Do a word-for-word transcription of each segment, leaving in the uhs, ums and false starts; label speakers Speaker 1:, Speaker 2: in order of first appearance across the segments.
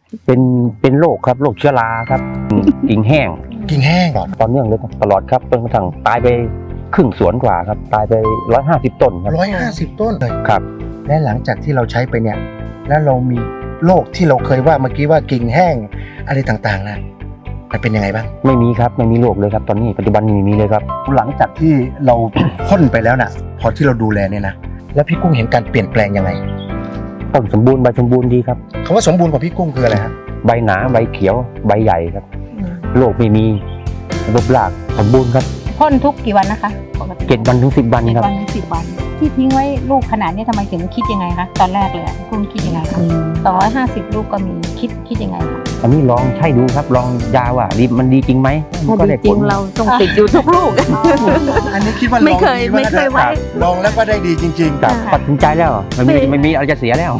Speaker 1: เป็นเป็นโรคครับโรคเชื้อราครับกิ่งแห้ง
Speaker 2: กิ่งแห้งเหรอ
Speaker 1: ตอนเนื่องเลยตลอดครับจนกระทั่งตายไปครึ่งสวนกว่าครับตายไปร้อยห้าสิบต้นครับ
Speaker 2: ร้อยห้าสิบต้นเลย
Speaker 1: ครับ
Speaker 2: และหลังจากที่เราใช้ไปเนี่ยแล้วเรามีโรคที่เราเคยว่าเมื่อกี้ว่ากิ่งแห้งอะไรต่างๆนะมันเป็นยังไงบ้าง
Speaker 1: ไม่มีครับไม่มีโรคเลยครับตอนนี้ปัจจุบันนี้ไม่มีเลยครับ
Speaker 2: หลังจากที่เรา พ่นไปแล้วน่ะ พอที่เราดูแลเนี่ยนะแล้วพี่กุ้งเห็นการเปลี่ยนแปลงยังไง
Speaker 1: ต้นสมบูรณ์ใบสมบูรณ์ดีครับ
Speaker 2: คำว่าสมบูรณ์ของพี่กุ้งคืออะไรฮะ
Speaker 1: ใบหนาใบเขียวใบใหญ่ครับโรคไม่มีรูปรากสมบูรณ์ครับ
Speaker 3: พ่นทุกกี่วันนะคะปกติ
Speaker 1: เจ็ดวันถึงสิบวัน
Speaker 3: เจ็ด
Speaker 1: ครับ
Speaker 3: วันถึงสิบวัน ที่ทิ้งไว้ลูกขนาดนี้ทำไมถึงคิดยังไงคะตอนแรกเลยอะคุณคิดยังไงคะสองร้อยห้าสิบลูกก็มีคิดคิดยังไงคะ
Speaker 1: อันนี้ลองใช้ดูครับลองยาว่าดีมันดีจริงไหม
Speaker 4: ถ้า
Speaker 1: ก็
Speaker 4: ดี
Speaker 1: ได้
Speaker 4: จ
Speaker 1: ผ
Speaker 4: ริง
Speaker 1: ล
Speaker 4: เราต้องติดอยู่ทุกลูก
Speaker 2: อันนี้คิดว่า
Speaker 4: ไม่
Speaker 2: ลอง
Speaker 4: เคย
Speaker 2: ดี
Speaker 4: ไม่เคยไว้
Speaker 2: ลองแล้วก็ได้ดีจริง
Speaker 1: ครับ
Speaker 4: ค่ะ
Speaker 1: ตัดสินใจแล้วไม่มี
Speaker 4: ไม่
Speaker 1: ไม่มีอะไรจะเสียแล้ว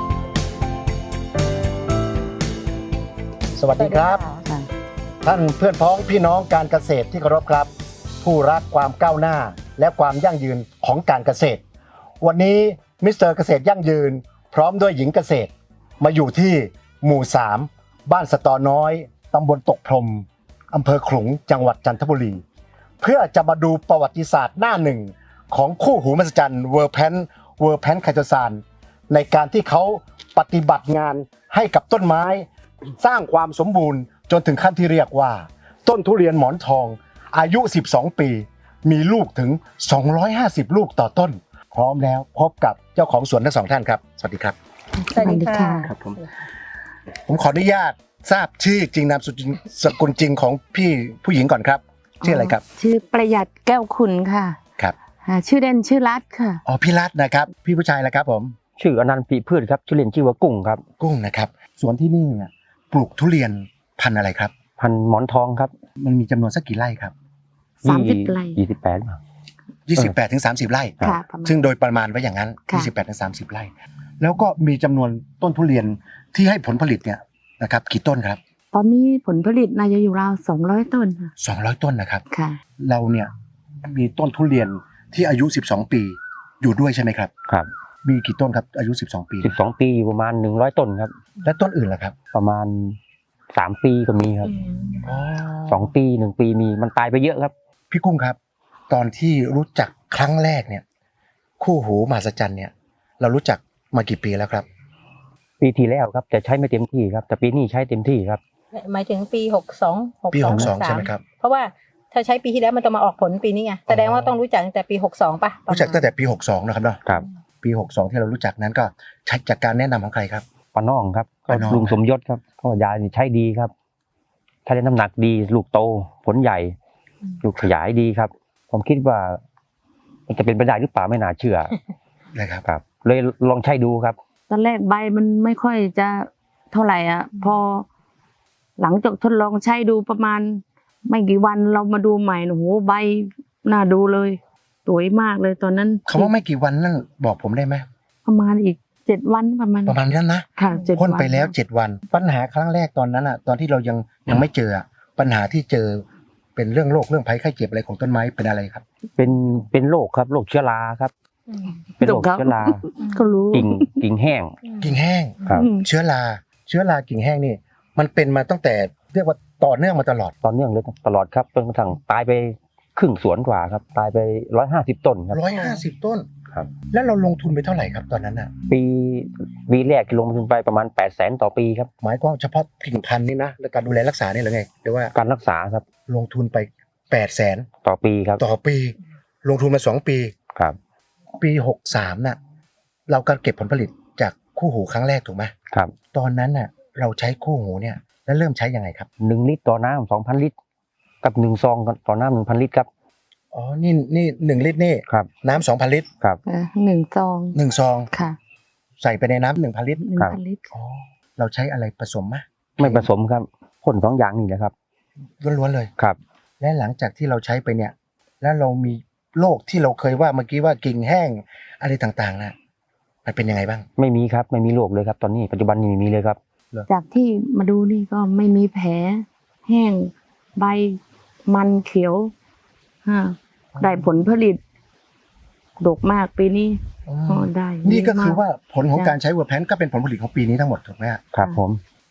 Speaker 2: ๆ สวัสดีครับ
Speaker 4: ค่ะ
Speaker 2: ท่านเพื่อนพ้องพี่น้องการเกษตรที่เคารพครับ ผู้รักความก้าวหน้าและความยั่งยืนของการเกษตร วันนี้มิสเตอร์เกษตรยั่งยืน พร้อมด้วยหญิงเกษตร มาอยู่ที่หมู่สามบ้านสะตอน้อยตำบลตกพรมอำเภอขลุงจังหวัดจันทบุรี เพื่อจะมาดูประวัติศาสตร์หน้าหนึ่งของคู่หูมหัศจรรย์เวอร์แพนเวอร์แพนไคโตซานในการที่เขาปฏิบัติงานให้กับต้นไม้ สร้างความสมบูรณ์จนถึงขั้นที่เรียกว่า ต้นทุเรียนหมอนทองอายุสิบสองปี มีลูกถึงสองร้อยห้าสิบลูกต่อต้น พร้อมแล้วพบกับเจ้าของสวนทั้งสองท่านครับสวัสดีครับ
Speaker 3: สวัสดีค่ะ
Speaker 2: ครับผม ผมขออนุญาตทราบชื่อจริงนามสกุลสกุลจริงของพี่ผู้หญิงก่อนครับชื่ออะไรครับ
Speaker 4: ชื่อประหยัดแก้วคุณค่ะ
Speaker 2: ครับ
Speaker 4: อ่าชื่อเด่นชื่อรัตค่ะ
Speaker 2: อ๋อพี่รัตน์นะครับพี่ผู้ชายแล้วครับผม
Speaker 1: ชื่ออนันต์ปีพืชครับชื่อเล่นชื่อว่ากุ้งครับ
Speaker 2: กุ้งนะครับสวนที่นี่เนี่ยปลูกทุเรียนพันธุ์อะไรครับ
Speaker 1: พันหมอนทองครับ
Speaker 2: มันมีจำนวนสักกี่ไร่ครับ
Speaker 4: สามสิบไร่
Speaker 1: ยี่สิบแปด
Speaker 2: ยี่สิบแปดถึงสามสิบไร่
Speaker 4: ค่ะประมาณ
Speaker 2: ซึ่งโดยประมาณไว้อย่างนั้น
Speaker 4: ค่ะ
Speaker 2: ยี่สิบแปดถึงสามสิบไร่แล้วก็มีจำนวนต้นทุเรียนที่ให้ผลผลิตเนี่ยนะครับกี่ต้นครับ
Speaker 4: ตอนนี้ผลผลิตน่าจะอยู่ราวสองร้อยต้นค่ะ
Speaker 2: สองร้อยต้นนะครับ
Speaker 4: ค่ะ
Speaker 2: เราเนี่ยมีต้นทุเรียนที่อายุสิบสองปีอยู่ด้วยใช่ไหมครับ
Speaker 1: ครับ
Speaker 2: มีกี่ต้นครับอายุสิบสองปี
Speaker 1: สิบสองปีอยู่ประมาณหนึ่งร้อยต้นครับ
Speaker 2: และต้นอื่นล่ะครับ
Speaker 1: ประมาณสามปีก็มีครับสองปีหนึ่งปีมีมันตายไปเยอะครับ
Speaker 2: พี่กุ้งครับ ตอนที่รู้จักครั้งแรกเนี่ยคู่หูมหัศจรรย์เนี่ยเรารู้จักมากี่ปีแล้วครับ
Speaker 1: ปีที่แล้วครับแต่ใช้ไม่เต็มที่ครับ แต่ปีนี้ใช้เต็มที่ครับ
Speaker 3: หมายถึงปีหกสองหก
Speaker 2: ปี
Speaker 3: ส
Speaker 2: ห
Speaker 3: อง
Speaker 2: กสอง
Speaker 3: สา
Speaker 2: ใช่
Speaker 3: ม
Speaker 2: ไหมครับ
Speaker 3: เพราะว่าถ้าใช้ปีที่แล้วมันจะมาออกผลปีนี้ไงแสดงว่าต้องรู้จักตั้งแต่ปีหกสองป่ะ
Speaker 2: รู้จักตั้งแต่ปีหกสองนะครับเนาะ
Speaker 1: ครับ
Speaker 2: ปีหกสองที่เรารู้จักนั้นก็ใช้จากการแนะนำของใครครับ
Speaker 1: ปาน้องครับก็
Speaker 2: ป้าน้อง
Speaker 1: ลุงสมยศครับก็ยานี่ใช้ดีครับใช้ได้น้ำหนักดีลูกโตผลใหญ่ ลูกขยายดีครับ ผมคิดว่า มันจะเป็นไปได้หรือเปล่าไม่น่าเชื่อ
Speaker 2: นะครับ
Speaker 1: ครับ เลยลองใช้ดูครับ
Speaker 4: ตอนแรกใบมันไม่ค่อยจะเท่าไหร่อ่ะ พอ หลังจากทดลองใช้ดูประมาณ ไม่กี่วันเรามาดูใหม่โอ้โหใบน่าดูเลยสวยมากเลยตอนนั้น
Speaker 2: คำว่าไม่กี่วันนั่นบอกผมได้ไหม
Speaker 4: ประมาณอีกเจ็ดวันประมาณ
Speaker 2: ประมาณนั้นนะ
Speaker 4: ค่ะเจ็ด
Speaker 2: พ่น
Speaker 4: วัน
Speaker 2: ไปแล้วเจ็ดวัน ปัญหาครั้งแรกตอนนั้นอ่ะตอนที่เรายังยังไม่เจออะปัญหาที่เจอเป็นเรื่องโรคเรื่องภัยไข้เจ็บอะไรของต้นไม้เป็นอะไรครับ
Speaker 1: เป็นเป็นโรคครับโรคเชื้อราครับ
Speaker 3: อืม
Speaker 1: เป็นโรคเชื้อรา
Speaker 4: ก็รู้
Speaker 1: กิ่งกิ่งแห้ง
Speaker 2: กิ่งแห้ง
Speaker 1: ครับ
Speaker 4: อืม
Speaker 2: เชื้อราเชื้อรากิ่งแห้งนี่มันเป็นมาตั้งแต่เรียกว่าต่อเนื่องมาตลอด
Speaker 1: ตอนเนื่องเลยตลอดครับจนกระทั่งตายไปครึ่งสวนกว่าครับ ตายไปร้อยห้าสิบต้นครับ
Speaker 2: ร้อยห้าสิบต้น
Speaker 1: ครับ
Speaker 2: แล้วเราลงทุนไปเท่าไหร่ครับตอนนั้นอ่ะ
Speaker 1: ปีปีแรกที่ลงทุนไปประมาณแปดแสนต่อปีครับ
Speaker 2: หมายความเฉพาะกิ่งพันธุ์นี่นะและการดูแลรักษานี่เหรือไงหรือว่า
Speaker 1: การรักษาครับ
Speaker 2: ลงทุนไปแปดแสน
Speaker 1: ต่อปีครับ
Speaker 2: ต่อปี ลงทุนมาสองปี
Speaker 1: ครับ
Speaker 2: ปีหกสามน่ะเราการเก็บผลผลิตจากคู่หูครั้งแรกถูกไหม
Speaker 1: ครับ
Speaker 2: ตอนนั้นน่ะเราใช้คู่หูเนี่ยแล้วเริ่มใช้ยังไงครับ
Speaker 1: หนึ่งลิตรต่อน้ำสองพันลิตร กับหนึ่งซองต่อน้ำหนึ่งพันลิตรครับ
Speaker 2: อ๋อนี่นี่หนึ่งลิตรนี่
Speaker 1: ครับ
Speaker 2: น้ำสองพันลิตร
Speaker 1: ครับ
Speaker 4: เออหนึ่งซอง
Speaker 2: หนึ่งซอง
Speaker 4: ค่ะ
Speaker 2: ใส่ไปในน้ำหนึ่งพันลิตร
Speaker 4: หนึ่ง
Speaker 1: ครับ
Speaker 4: พันลิตร
Speaker 2: อ๋อเราใช้อะไรผสมไหม
Speaker 1: ไม่ผสมครับพ่นสองอย่างนี่แหละครับ
Speaker 2: ล้วนๆเลย
Speaker 1: ครับ
Speaker 2: และหลังจากที่เราใช้ไปเนี่ย แล้วเรามีโรคที่เราเคยว่าเมื่อกี้ว่ากิ่งแห้งอะไรต่างๆนะมันเป็นยังไงบ้าง
Speaker 1: ไม่มีครับไม่มีโรคเลยครับ ตอนนี้ปัจจุบันนี้ไม่มีเลยครับ
Speaker 4: จากที่มาดูนี่ก็ไม่มีแผล แห้ง ใบมันเขียวฮะได้ผลผลิต ดกมากปีนี้อ๋อได้
Speaker 2: นี่ก็คือ
Speaker 4: ดีม
Speaker 2: ว่าผลของการใช้เวอร์แพนก็เป็นผลผลิตของปีนี้ทั้งหมดถูกไหมฮะ
Speaker 1: ครับผม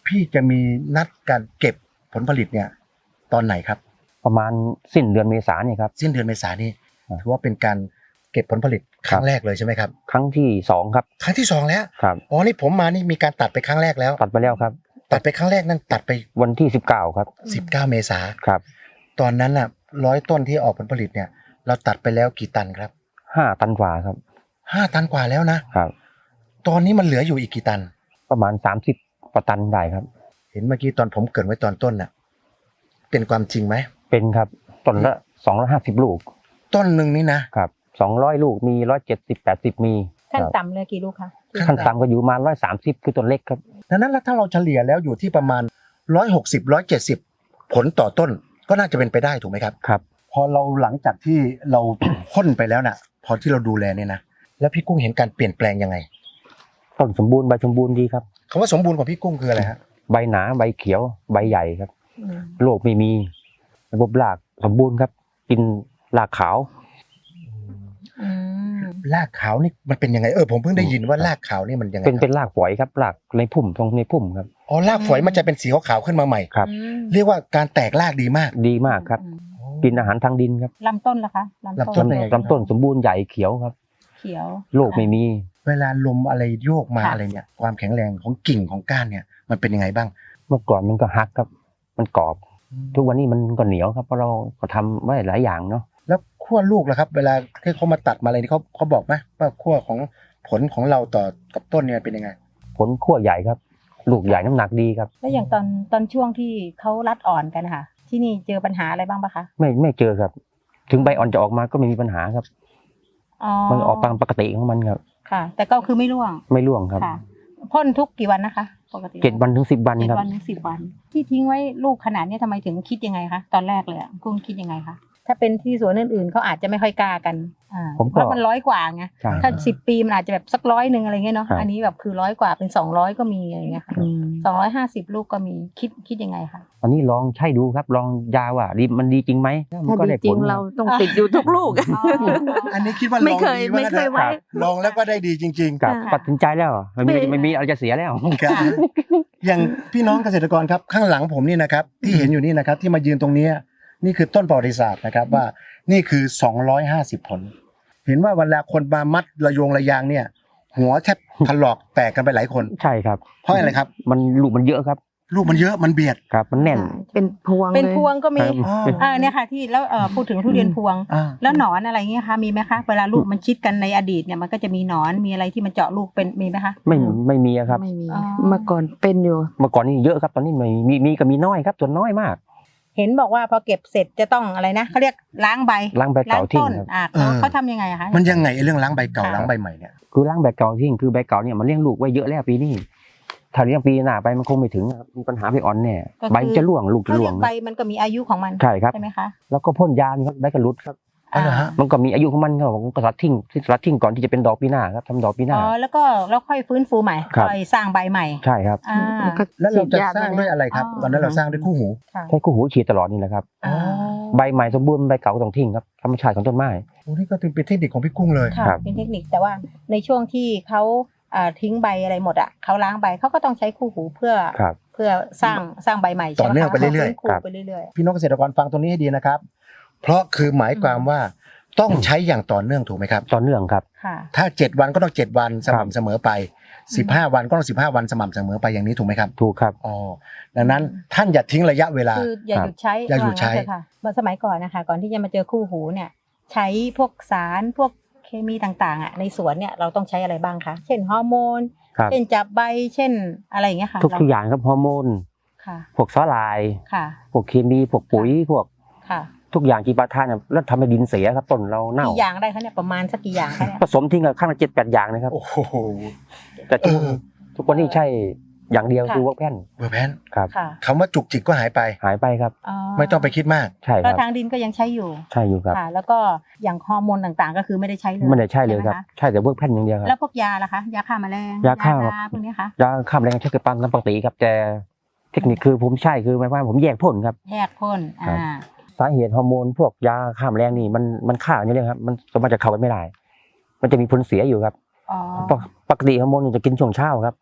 Speaker 2: พี่จะมีนัดการเก็บผลผลิตเนี่ยตอนไหนครับ
Speaker 1: ประมาณสิ้นเดือนเมษายนเนี่ยครับ
Speaker 2: สิ้นเดือนเมษายนนี่
Speaker 1: ครับ
Speaker 2: ถือว่าเป็นการเก็บผลผลิตครั้งแรกเลยใช่ไหมครับ
Speaker 1: ครั้งที่สองครับ
Speaker 2: ครั้งที่สองแล้ว
Speaker 1: ครับ
Speaker 2: อ๋อนี่ผมมานี่มีการตัดไปครั้งแรกแล้ว
Speaker 1: ตัดไปแล้วครับ
Speaker 2: ตัดไปครั้งแรกนั่นตัดไป
Speaker 1: วันที่สิบเก้าครับ
Speaker 2: สิบเก้าเมษา
Speaker 1: ครับ
Speaker 2: ตอนนั้นน่ะร้อยต้นที่ออกผลผลิตเนี่ย เราตัดไปแล้วกี่ตันครับ
Speaker 1: ห้าตันกว่าครับ
Speaker 2: ห้าตันกว่าแล้วนะครับ ตอนนี้มันเหลืออยู่อีกกี่ตัน
Speaker 1: ประมาณสามสิบกว่าตันได้ครับ
Speaker 2: เห็นเมื่อกี้ตอนผมเกรินไว้ตอนต้นน่ะเป็นความจริงไหม
Speaker 1: เป็นครับต้นละสองร้อยห้าสิบลูก
Speaker 2: ต้นหนึ่งนี่นะครับ
Speaker 1: สองร้อยลูกมีร้อยเจ็ดสิบแปดสิบมี
Speaker 3: ขั้น
Speaker 1: ครับ
Speaker 3: ต่ำเลยกี่ลูกคะ
Speaker 1: ขั้นต่ำก็อยู่ประมาร้อยสามสิบคือต้นเล็กครับ
Speaker 2: ดังนั้นแล้วถ้าเราเฉลี่ยแล้วอยู่ที่ประมาณร้อยหกสิบร้อยเจ็ดสิบผลต่อต้นก็น่าจะเป็นไปได้ถูกไหมครับ
Speaker 1: ครับ
Speaker 2: พอเราหลังจากที่เรา พ่นไปแล้วน่ะ พอที่เราดูแลเนี่ยนะแล้วพี่กุ้งเห็นการเปลี่ยนแปลงยังไง
Speaker 1: ต้นสมบูรณ์ใบสมบูรณ์ดีครับ
Speaker 2: คำว่าสมบูรณ์ของพี่กุ้งคืออะไรฮะ
Speaker 1: ใบหนาใบเขียวใบใหญ่ครับ
Speaker 3: อืม
Speaker 1: โรคไม่มีระบบรากสมบูรณ์ครับ กินรากขาว
Speaker 3: อืม
Speaker 2: รากขาวนี่มันเป็นยังไงเออผมเพิ่งได้ยินว่ารากขาวนี่มันยังไง
Speaker 1: เป็นเป็น
Speaker 2: ครับ
Speaker 1: รากฝอยครับรากในพุ่มตรงในพุ่มครับ
Speaker 2: อ๋อรากฝอยมันจะเป็นสีขาวๆขึ้นมาใหม่
Speaker 1: ครับ
Speaker 3: อืม
Speaker 2: เรียกว่าการแตกรากดีมาก
Speaker 1: ดีมากครับ
Speaker 3: อืม
Speaker 1: กินอาหารทางดินครับ
Speaker 3: ลำต้นล่ะคะ
Speaker 2: ลำต้น
Speaker 3: ลำ
Speaker 2: เป็นไง
Speaker 1: ลำต้นสมบูรณ์ใหญ่เขียวครับ
Speaker 3: เขียว
Speaker 1: โรคไม่มี
Speaker 2: เวลาลมอะไรโยกมา
Speaker 3: ค่ะ
Speaker 2: อะไรเนี่ยความแข็งแรงของกิ่งของก้านเนี่ยมันเป็นยังไงบ้าง
Speaker 1: เมื่อก่อนมันก็หักครับ มันกรอบ ทุกวันนี้มันก็เหนียวครับเพราะเราก็ทำไว้หลายอย่างเนาะ
Speaker 2: แล้วขั้วลูกล่ะครับ เวลาที่เขามาตัดมาอะไรนี่เขาเขาบอกไหมว่าขั้วของผลของเราต่อกับต้นเนี่ยเป็นยังไง
Speaker 1: ผลขั้วใหญ่ครับ ลูกใหญ่น้ำหนักดีครับ
Speaker 3: แล้วอย่างตอนตอนช่วงที่เขารัดอ่อนกันนะคะที่นี่เจอปัญหาอะไรบ้างปะคะ
Speaker 1: ไม่ไม่เจอครับ ถึงใบอ่อนจะออกมาก็ไม่มีปัญหาครับ
Speaker 3: อ๋อ
Speaker 1: มันออกตามปกติของมันครับ
Speaker 3: ค่ะ แต่ก็คือไม่ร่วง
Speaker 1: ไม่ร่วงครับ
Speaker 3: ค่ะพ่นทุกกี่วันนะคะปกติ
Speaker 1: เจ็ดวันถึงสิบวัน
Speaker 3: เจ็ด
Speaker 1: ครับ
Speaker 3: วันถึงสิบวัน ที่ทิ้งไว้ลูกขนาดนี้ทำไมถึงคิดยังไงคะตอนแรกเลยอะกุ้งคิดยังไงคะถ้าเป็นที่สวนอื่นๆเขาอาจจะไม่ค่อยกล้ากันอ่า
Speaker 1: ผมก็
Speaker 3: เพราะมันร้อยกว่าไง
Speaker 1: ใช่
Speaker 3: ถ้าสิบปีมันอาจจะแบบสักร้อยหนึ่งอะไรเงี้ยเนาะ
Speaker 1: ครับ
Speaker 3: อันนี้แบบคือร้อยกว่าเป็นสองร้อยก็มีอะไรเงี้ยค่ะ
Speaker 4: อืม
Speaker 3: สองร้อยห้าสิบลูกก็มีคิดคิดยังไงคะ
Speaker 1: อันนี้ลองใช้ดูครับ ลองยาว่าดีมันดีจริงไหมมั
Speaker 4: ถ้าน
Speaker 1: ก็
Speaker 4: ดี
Speaker 1: ได้
Speaker 4: จริ
Speaker 1: ผ
Speaker 4: ง
Speaker 1: ล
Speaker 4: เราต้องติดอยู่ทุกลูก
Speaker 2: อันนี้คิดว่า
Speaker 4: ไม่
Speaker 2: ลอง
Speaker 4: เคย
Speaker 2: ดี
Speaker 4: ไม่เคยไว้
Speaker 2: ลองแล้วก็ได้ดีจริง
Speaker 1: ครับ
Speaker 3: ค่ะ
Speaker 1: ตัดสินใจแล้วไม่มี
Speaker 4: ไม่
Speaker 1: ไม่มีอะไรจะเสียแล้ว
Speaker 2: ๆครับอย่างพี่น้องเกษตรกรครับข้างหลังผมนี่นะครับที่เห็นอยู่นี่นะครับที่มายืนตรงเนี้ยนี่คือต้นประวัติศาสตร์นะครับว่านี่คือสองร้อยห้าสิบผล เห็นว่าเวลาคนมามัดระโยงระยางเนี่ย หัวแทบถลอกแตกกันไปหลายคน
Speaker 1: ใช่ครับ
Speaker 2: เพราะอะไรครับ
Speaker 1: มันลูกมันเยอะครับ
Speaker 2: ลูกมันเยอะมันเบียด
Speaker 1: ครับ มันแน่น
Speaker 4: เป็นพวง
Speaker 3: เป็น
Speaker 4: ลย
Speaker 3: พวงก็มี
Speaker 1: ครับ
Speaker 2: อ๋อ
Speaker 1: เป็น
Speaker 3: อ่าเนี่ยค่ะที่แล้วเอ่อพูดถึงทุเรียนพวง
Speaker 2: อ่า
Speaker 3: แล้วหนอนอะไรเงี้ยคะมีไหมคะเวลาลูกมันชิดกันในอดีตเนี่ยมันก็จะมีหนอนมีอะไรที่มันเจาะลูกเป็นมีไหมคะ
Speaker 1: ไม่ไม่มีอะครับ
Speaker 4: ไม่มี
Speaker 3: อ๋อ
Speaker 4: เมื่อก่อนเป็นอยู่
Speaker 1: เมื่อก่อนนี่เยอะครับ ตอนนี้ไม่มีมีก็มีน้อยครับส่วนน้อยมาก
Speaker 3: เห็นบอกว่าพอเก็บเสร็จจะต้องอะไรนะเขาเรียกล้างใบ
Speaker 1: ล้างใบเก่าทิ้ง
Speaker 3: ต้น
Speaker 1: ครับ
Speaker 3: อ่าเขาเขาทำยังไงอะคะ
Speaker 2: มันยังไงไอ้เรื่องล้างใบเก่า
Speaker 3: ค่ะ
Speaker 2: ล้างใบใหม่เนี่ย
Speaker 1: คือล้างใบเก่าทิ้งคือใบเก่าเนี่ยมันเลี้ยงลูกไว้เยอะแล้วปีนี้ถ้าเลี้ยงปีหน้าไปมันคงไม่ถึงครับมีปัญหาใบอ่อนแน่ใบจะร่วงลูกจะ
Speaker 3: เขา
Speaker 1: ร่
Speaker 3: เรี
Speaker 1: วย ง
Speaker 3: กใบมันก็มีอายุของมัน
Speaker 1: ใช่ครับ
Speaker 3: ใช่ไหมคะ
Speaker 1: แล้วก็พ่นยาครับใบกระลุดครับ
Speaker 2: อ๋อเหรอฮะ
Speaker 1: มันก็มีอายุของมันครับผมก็สลัดทิ้งที่สลัดทิ้งก่อนที่จะเป็นดอกปีหน้าครับทำดอกปีหน้า
Speaker 3: อ๋อแล้วก็แล้วค่อยฟื้นฟูใหม่
Speaker 1: ครับ
Speaker 3: ค่อยสร้างใบใหม่
Speaker 1: ใช่ครับ
Speaker 3: อ่า
Speaker 2: แล้วเราจะสร้างด้วยอะไรครับ
Speaker 3: อ๋อ
Speaker 2: ตอนนั้นเราสร้างด้วยคู่หู
Speaker 3: ค่ะ
Speaker 1: ใช้คู่หูฉีดตลอดนี่แหละครับ
Speaker 3: อ่า
Speaker 1: ใบใหม่สมบูรณ์ใบเก่าก็ต้องทิ้งครับธรรมชาติของต้นไม้
Speaker 2: โอ้นี่ก็เป็นเทคนิคของพี่กุ้งเลย
Speaker 3: ค่ะ
Speaker 1: ครับ
Speaker 3: เป็นเทคนิคแต่ว่าในช่วงที่เขาอ่าทิ้งใบอะไรหมดอ่ะเขาล้างใบเขาก็ต้องใช้คู่หูเพื่อ
Speaker 1: ครับ
Speaker 3: เพื่อสร้างสร้างใบใหม่
Speaker 2: ต่อเนื่องไปเรื่อยๆ
Speaker 3: ๆ
Speaker 1: ครับ
Speaker 3: ไปเรื่อย
Speaker 2: พี่น้องเกษตรกรฟังตรงนี้ให้ดีนะครับ เพราะคือหมายความว่าต้องใช้อย่างต่อเนื่องถูกไหมครับ
Speaker 1: ต่อเนื่องครับ
Speaker 3: ๆค่ะ
Speaker 2: ถ้าเจ็ดวันก็ต้องเจ็ดวันส
Speaker 1: ครับ
Speaker 2: ม่ำเสมอไปสิบห้าวันก็ต้องสิบห้าวันสม่ำเสมอไปอย่างนี้ถูกไหมครับ
Speaker 1: ถูกครับ
Speaker 2: อ๋อดังนั้นท่านอย่าทิ้งระยะเวลา
Speaker 3: คืออย่าหยุดใช้
Speaker 2: อย่าหยุดใช้
Speaker 3: ว่งั้นเถอะค่ะเมื่อสมัยก่อนนะคะ ก่อนที่จะมาเจอคู่หูเนี่ย ใช้พวกสารพวกเคมีต่างๆอ่ะในสวนเนี่ยเราต้องใช้อะไรบ้างคะเช่นฮอร์โมน
Speaker 1: ครับ
Speaker 3: เช่นจับใบเช่นอะไรอย่างเงี้ยค่ะ
Speaker 1: ทุกทุกอย่างครับฮอร์โมน
Speaker 3: ค่ะ
Speaker 1: พวกสาลาย
Speaker 3: ค่ะ
Speaker 1: พวกเคมีพวกปุ๋ยพวก
Speaker 3: ค่ะ
Speaker 1: ทุกอย่างกีปาทานเนี่ยแล้วทำให้ดินเสียครับต้นเราเน่า
Speaker 3: กี่อย่างได้คะเนี่ยประมาณสักกี่อย่างคะเนี่ย
Speaker 1: ผสมทิ้งกันข้างละเจ็ดแปดอย่างนะครับ
Speaker 2: โอ้โห
Speaker 1: แต่ทุก
Speaker 2: เออ
Speaker 1: ทุกวันนี้ใช่อย่างเดียว
Speaker 3: ค่ะ
Speaker 1: คือเวิร์กแพน
Speaker 2: เบอร์แพน
Speaker 1: ครับ
Speaker 3: ค่ะ
Speaker 2: คำว่าจุกจิกก็หายไป
Speaker 1: หายไปครับ
Speaker 2: ไม่ต้องไปคิดมาก
Speaker 1: ใช่ค
Speaker 3: ก็
Speaker 1: รับ
Speaker 3: ทางดินก็ยังใช้อยู่
Speaker 1: ใช่อยู่ครับ
Speaker 3: ค่ะ แล้วก็อย่างฮอร์โมนต่างๆ ก็คือไม่ได้ใช้เลย
Speaker 1: ไม่ได้ใช่เลยครับ
Speaker 3: ไหมะ
Speaker 1: ใช่แต่เวิร์กแพนอย่างเดียวครับ
Speaker 3: แล้วพวกยาล่ะคะยาฆ่าแมลง
Speaker 1: ยาฆ่า
Speaker 3: พวกนี้คะ
Speaker 1: ยาฆ่าแมลงใช้กับปันตามปกติครับแต่เทคนิคคือผมใช่คือหมายความว่าผมแยกพ่นครับ
Speaker 3: แยกพ่น
Speaker 1: ครั
Speaker 3: อ่า
Speaker 1: บ สาเหตุฮอร์โมนพวกยาฆ่าแมลงนี่มันมันฆ่าอย่างเดียวครับมันสามารถจะเข้ากันไม่ได้ มันจะมีผลเสียอยู่ครับ
Speaker 3: อ๋อ
Speaker 1: ปกปกติฮอร์โมนจะกินช่วงเช้าครับ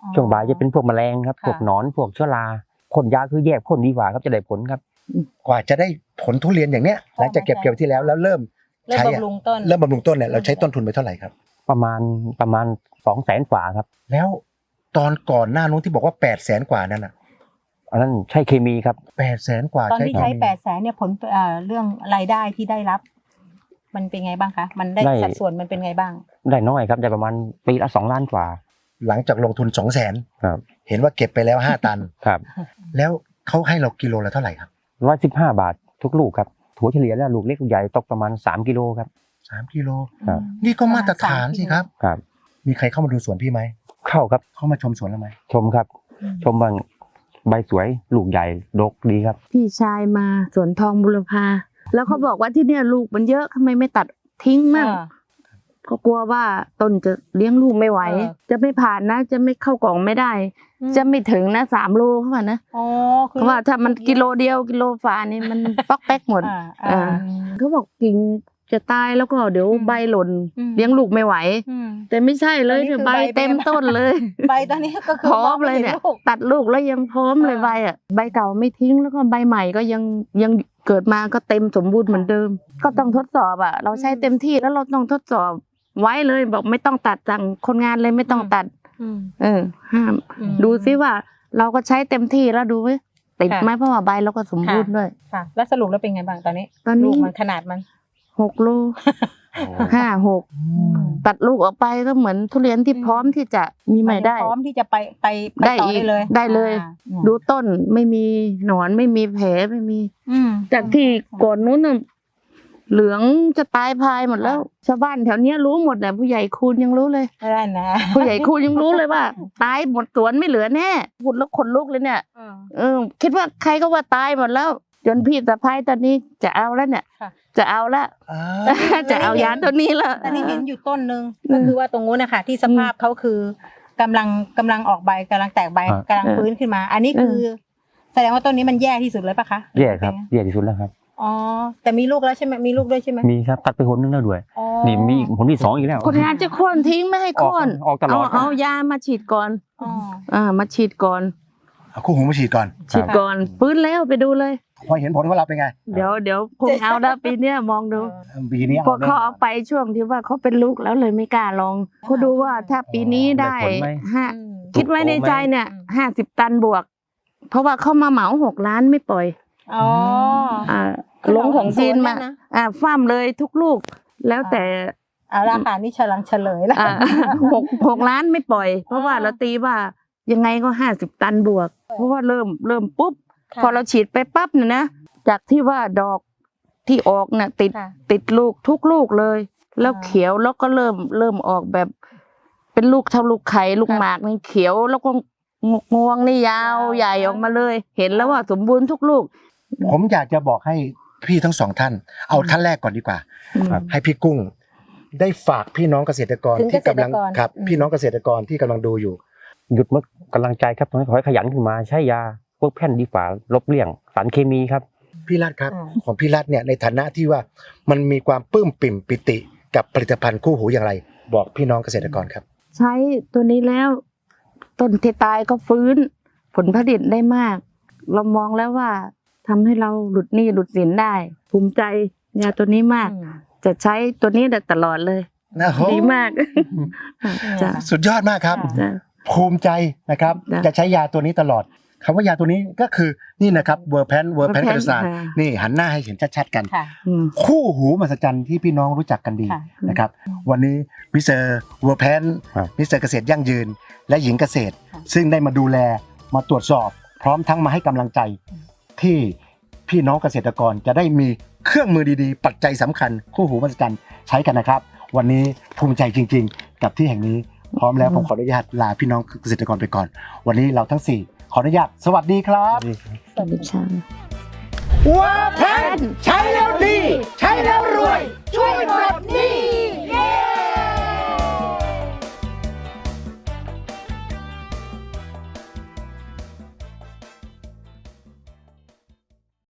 Speaker 3: อ๋อ
Speaker 1: ช่วงบ่ายจะเป็นพวกแมลงครับ
Speaker 3: ค่ะ
Speaker 1: พวกหนอนพวกเชื้อราพ่นยาคือแยกพ่นดีกว่าครับจะได้ผลครับ
Speaker 2: กว่าจะได้ผลทุเรียนอย่างเนี้ยหลังจากเก็บเกี่ยวที่แล้วแล้วเริ่ม
Speaker 3: เริ่ม
Speaker 2: ใช้อะ
Speaker 3: บำรุงต้น
Speaker 2: เริ่มบำรุงต้นเนี่ยเราใช้ต้นทุนไปเท่าไหร่ครับ
Speaker 1: ประมาณประมาณสองแสนกว่าครับ
Speaker 2: แล้วตอนก่อนหน้านู้นที่บอกว่าแปดแสนกว่านั่นอ่ะ
Speaker 1: อันนั้นใช่เคมีครับ
Speaker 2: แปดแสนกว่า
Speaker 3: ตอนที่ใช้
Speaker 2: เคมี
Speaker 3: แปดแสนเนี่ยผลเอ่อเรื่องรายได้ที่ได้รับ มันเป็นไงบ้างคะมันได้
Speaker 1: ได้
Speaker 3: สัดส่วนมันเป็นไงบ้าง
Speaker 1: ได้น้อยครับได้ประมาณปีละสองล้านกว่า
Speaker 2: หลังจากลงทุนสองแสน
Speaker 1: ครับ
Speaker 2: เห็นว่าเก็บไปแล้วห้าตัน
Speaker 1: ครับ
Speaker 2: แล้วเขาให้เรากิโลละเท่าไหร่ครับ
Speaker 1: ร้อยสิบห้าบาททุกลูกครับถั่วเฉลี่ยแล้วลูกเล็กลูกใหญ่ตกประมาณสามกิโลครับ
Speaker 2: สามกิโล
Speaker 1: ครับ
Speaker 2: นี่ก็มาตรฐานสิครับ
Speaker 1: ครับ
Speaker 2: มีใครเข้ามาดูสวนพี่ไหม
Speaker 1: เข้าครับ
Speaker 2: เข้ามาชมสวนเราไหม
Speaker 1: ชมครับ ชมบางใบสวยลูกใหญ่ดกดีครับ
Speaker 4: พี่ชายมาสวนทองบุรพาแล้วเขาบอกว่าที่เนี่ยลูกมันเยอะทำไมไม่ตัดทิ้งมั่ง
Speaker 3: อ่า
Speaker 4: ก็กลัวว่าต้นจะเลี้ยงลูกไม่ไหว
Speaker 3: เออ
Speaker 4: จะไม่ผ่านนะ จะไม่เข้ากล่องไม่ได้
Speaker 3: อืม
Speaker 4: จะไม่ถึงนะสามโลเข้ามานะ
Speaker 3: อ๋อคือ
Speaker 4: เพราะว่าถ้ามันกิโลเดียวกิโลฝานี่มัน ป๊อกแป๊กหมด
Speaker 3: อ่า
Speaker 4: อ่า
Speaker 3: อ่า
Speaker 4: เขาบอกกิ่งจะตายแล้วก็เดี๋ยว
Speaker 3: อืม
Speaker 4: ใบหล่น
Speaker 3: อืม
Speaker 4: เลี้ยงลูกไม่ไหว
Speaker 3: อืม
Speaker 4: แต่ไม่ใช่เลย
Speaker 3: อันนี้
Speaker 4: เนี่ย
Speaker 3: คือ
Speaker 4: ใบ
Speaker 3: ใบ
Speaker 4: เต็ม
Speaker 3: เป็น
Speaker 4: ต้นเลย
Speaker 3: ใบตอนนี้ก็คือ
Speaker 4: พร้อม
Speaker 3: งไ
Speaker 4: เลยเนี่ย
Speaker 3: ห็ลูก
Speaker 4: ตัดลูกแล้วยังพร้อมเลย
Speaker 3: อ่า
Speaker 4: ใบอ่ะใบเก่าไม่ทิ้งแล้วก็ใบใหม่ก็ยังยังเกิดมาก็เต็มสมบูรณ์เหมือนเดิม ก็ต้องทดสอบอ่ะ เราใช้เต็มที่แล้วเราต้องทดสอบไว้เลยบอกไม่ต้องตัดสั่งคนงานเลยไม่ต้องตัด
Speaker 3: อืม
Speaker 4: เออห้าม
Speaker 3: อืม
Speaker 4: ดูซิว่า เราก็ใช้เต็มที่แล้วดูว่าติด
Speaker 3: ค่ะ
Speaker 4: ไหมเพราะว่าใบเราก็สมบูรณ์ด้วย
Speaker 3: ค่ะ แล้วสรุปแล้วเป็นไงบ้างตอนนี้
Speaker 4: ตอน
Speaker 3: ลู
Speaker 4: นี้
Speaker 3: กมันขนาดมัน
Speaker 4: หกโลห้าหกตัดลูกออกไปก็เหมือนทุเรียนที่
Speaker 3: อืม
Speaker 4: พร้อมที่จะมีใหม่ได้
Speaker 3: พร้อมที่จะไปไปป
Speaker 4: ได้
Speaker 3: ต่อ
Speaker 4: อีก
Speaker 3: ได้เลย
Speaker 4: ได้เลย
Speaker 3: อ่า
Speaker 4: ดูต้นไม่มีหนอนไม่มีแผลไม่มี
Speaker 3: อืม
Speaker 4: จากที่ก่อนนู้นน่ะเหลืองจะตายพายหมดแล้ว ชาวบ้านแถวเนี้ยรู้หมดแหละผู้ใหญ่คูณยังรู้เลย
Speaker 3: ไม่ได้นะ
Speaker 4: ผู้ใหญ่คูณยังรู้เลยว่า ตายหมดสวนไม่เหลือแน่พูดแล้วขนลุกเลยเนี่ย
Speaker 3: อืม
Speaker 4: เออคิดว่าใครก็ว่าตายหมดแล้ว จนพี่สะพ้ายตอนนี้จะเอาแล้วเนี่ย
Speaker 3: ค่ะ
Speaker 4: จะเอาละ
Speaker 2: อ่า
Speaker 4: จะเอายาตัวนี้ละ
Speaker 3: แต่นี่เห็นอยู่ต้นหนึ่ง
Speaker 4: อืม
Speaker 3: ก็คือว่าตรงนู้นนะคะที่สภาพเขาคือกำลังกำลังออกใบกำลังแตกใบ
Speaker 1: ครับ
Speaker 3: กำลังฟื้นขึ้นมา อันนี้คือ แสดงว่าต้นนี้มันแย่ที่สุดเลยปะคะ
Speaker 1: แย่ครับแย่ที่สุดแล้วครับ
Speaker 3: อ๋อแต่มีลูกแล้วใช่ไหมมีลูกด้วยใช่ไหม
Speaker 1: มีครับตัดไปหนนึงแล้วด้วย
Speaker 3: อ๋อ
Speaker 1: นี่มีอีกผลที่สองอีกแล้ว
Speaker 4: คนงานจะโค่นทิ้งไม่ให้
Speaker 1: ออก
Speaker 4: โค่น
Speaker 1: ออกตล
Speaker 4: เอา
Speaker 1: อด
Speaker 4: เอายามาฉีดก่อน
Speaker 3: อ๋อ
Speaker 4: อ่ามาฉีดก่อน
Speaker 2: เอาคู่หูมาฉีดก่อน
Speaker 4: ฉีดก่อนฟื้นแล้วไปดูเลย
Speaker 2: พอเห็นผลของเราเป็นไง
Speaker 4: เดี๋ยวเดี๋ยวคงเอาแล้วปีเนี้ยมองดู
Speaker 2: ปีนี้
Speaker 4: พวกเขาเอาไปช่วงที่ว่าเขาเป็นลูกแล้วเลยไม่กล้าลองเขาดูว่าถ้าปีนี้ได้
Speaker 1: ได้ผลไหม
Speaker 4: ห้า
Speaker 3: อืม
Speaker 4: คิดไว้ในใจเนี่ย
Speaker 3: อืม
Speaker 4: ห้าสิบตันบวก เพราะว่าเขามาเหมาหกล้านไม่ปล่อย
Speaker 3: อ๋อ
Speaker 4: อ่า
Speaker 3: คือ
Speaker 4: ลงของจีนมา
Speaker 3: เหมาทั้งสวนเลยนะ
Speaker 4: อ่าฟ้ามเลยทุกลูก แล้วแต่
Speaker 3: เอาละค่ะนี่เฉลังเฉลยแล้ว
Speaker 4: อ่า หกหกล้านไม่ปล่อย เพราะว่าเราตีว่ายังไงก็ห้าสิบตันบวก เพราะว่าเริ่มเริ่มปุ๊บ
Speaker 3: ค่ะ
Speaker 4: พอเราฉีดไปปั๊บเนี่ยนะจากที่ว่าดอกที่ออกน่ะติด
Speaker 3: ค่ะ
Speaker 4: ติดลูกทุกลูกเลย แล้ว
Speaker 3: อ่า
Speaker 4: เขียวแล้วก็เริ่มเริ่มออกแบบ เป็นลูกเท่าลูกไข่ลูก
Speaker 3: ค่ะ
Speaker 4: หมากนี่เขียวแล้วก็งงวงนี่ยาว
Speaker 3: ยาว
Speaker 4: ใหญ่ออกมาเลย เห็นแล้วว่าสมบูรณ์ทุกลูก
Speaker 2: ผมอยากจะบอกให้พี่ทั้งสองท่าน เอาท่านแรกก่อนดีกว่า
Speaker 1: ครับ
Speaker 2: ให้พี่กุ้ง ได้ฝากพี่น้องเกษตรกร
Speaker 3: ถึง
Speaker 2: ที่กำลัง
Speaker 3: เกษตรกร
Speaker 2: ครับ
Speaker 3: อืม
Speaker 2: พี่น้องเกษตรกรที่กำลังดูอยู่
Speaker 1: หยุดเมื่อกำลังใจครับขอให้ขยันขึ้นมาใช้ยาพวกแผ่นดีฝ่าลบเลี่ยงสารเคมีครับ
Speaker 2: พี่รัฐครับ
Speaker 3: อ่า
Speaker 2: ของพี่รัฐเนี่ยในฐานะที่ว่ามันมีความปลื้มปิ่มปิติกับผลิตภัณฑ์คู่หูอย่างไร บอกพี่น้องเกษตรกรครับ
Speaker 4: ใช้ตัวนี้แล้ว ต้นที่ตายก็ฟื้น ผลผลิตได้มาก เรามองแล้วว่าทำให้เราหลุดหนี้หลุดสินได้ ภูมิใจยาตัวนี้มาก
Speaker 3: อืม
Speaker 4: จะใช้ตัวนี้ได้ตลอดเลย
Speaker 2: นะโห
Speaker 4: ดีมากจ้ะ
Speaker 2: สุดยอดมากครับ
Speaker 3: ค่ะ
Speaker 4: จ้ะ
Speaker 2: ภูมิใจนะครับ
Speaker 4: จ้ะ
Speaker 2: จะใช้ยาตัวนี้ตลอดคำว่ายาตัวนี้ก็คือนี่นะครับเวอร์แพนเวอร์แพน
Speaker 4: Verpan
Speaker 2: กระสาน
Speaker 4: ค่ะ
Speaker 2: นี่หันหน้าให้เห็นชัดๆกัน
Speaker 3: ค่ะ
Speaker 4: อืม
Speaker 2: คู่หูมหัศจรรย์ที่พี่น้องรู้จักกันดี
Speaker 3: ค่ะ
Speaker 2: นะครับ วันนี้มิสเตอร์เวอร์แพน
Speaker 1: ครับ
Speaker 2: มิสเตอร์เกษตรยั่งยืน และหญิงเกษตร
Speaker 3: ค่ะ
Speaker 2: ซึ่งได้มาดูแลมาตรวจสอบ พร้อมทั้งมาให้กำลังใจ ที่พี่น้องเกษตรกรจะได้มีเครื่องมือดีๆ ปัจจัยสำคัญ คู่หูมหัศจรรย์ใช้กันนะครับ วันนี้ภูมิใจจริง ๆ กับที่แห่งนี้ พร้อมแล้วผมขออนุญาตลาพี่น้องเกษตรกรไปก่อน วันนี้เราทั้งสี่ขออนุญาตสวัสดีครับ
Speaker 4: สวัสดีค่ะ
Speaker 2: ว่าแพนใช้แล้วดี ใช้แล้ว